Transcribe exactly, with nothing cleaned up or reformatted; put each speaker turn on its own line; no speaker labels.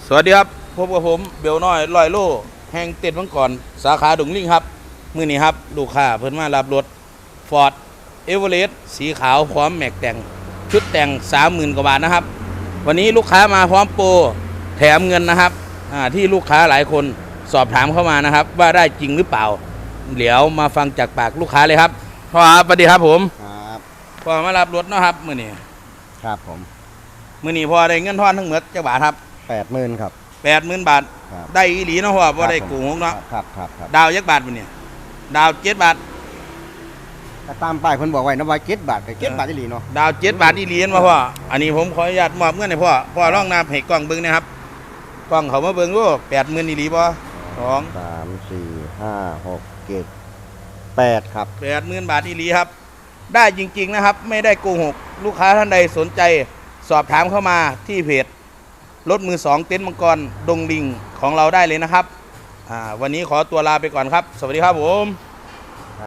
สวัสดีครับพบกับผมเบลน้อยลอยโลแห่งเต็ดมังกรสาขาดุงลิงครับมื้อนี้ครับลูกค้าเพิ่นมารับรถ Ford Everest สีขาวพร้อมแม็กแต่งชุดแต่ง สามหมื่น กว่าบาทนะครับวันนี้ลูกค้ามาพร้อมโปรแถมเงินนะครับที่ลูกค้าหลายคนสอบถามเข้ามานะครับว่าได้จริงหรือเปล่าเดี๋ยวมาฟังจากปากลูกค้าเลยครับพ่อครับสวัสดีครับผม
ครับ
พ่อมารับรถนะครับมื้อนี้
ครับผม
มื้อนี้พ่อได้เงินทอนทั้งหมดจักบาทครับ
แปดหมื่นครับ
แปดหมื่นบาทได้อีหลีเนาะพ่อบ่ได้โกงเนาะ
ครับครับครับ
ดาวยักบาทมื้อนี้ดาวเจ็ดบาท
ก็ตามป้ายเพิ่นบอกไว้นะว่าเจ็ดบาทก็เจ็ดบาทอีหลีเนาะ
ดาวเจ็ดบาทอีหลีมาพ่ออันนี้ผมขออนุญาตมอบเงินให้พ่อพ่อลองนับให้กล้องเบิ่งนะครับกล้องเขามาเบิ่งดูแปดหมื่นอีหลีบ่สอง
สามสี่ห้าหกเจ็ดแปดครับ
แปดหมื่นบาทอีหลีครับได้จริงๆนะครับไม่ได้โกหกลูกค้าท่านใดสนใจสอบถามเข้ามาที่เพจรถมือสองเต็นท์มังกรดงลิงของเราได้เลยนะครับอ่าวันนี้ขอตัวลาไปก่อนครับสวัสดีครับผม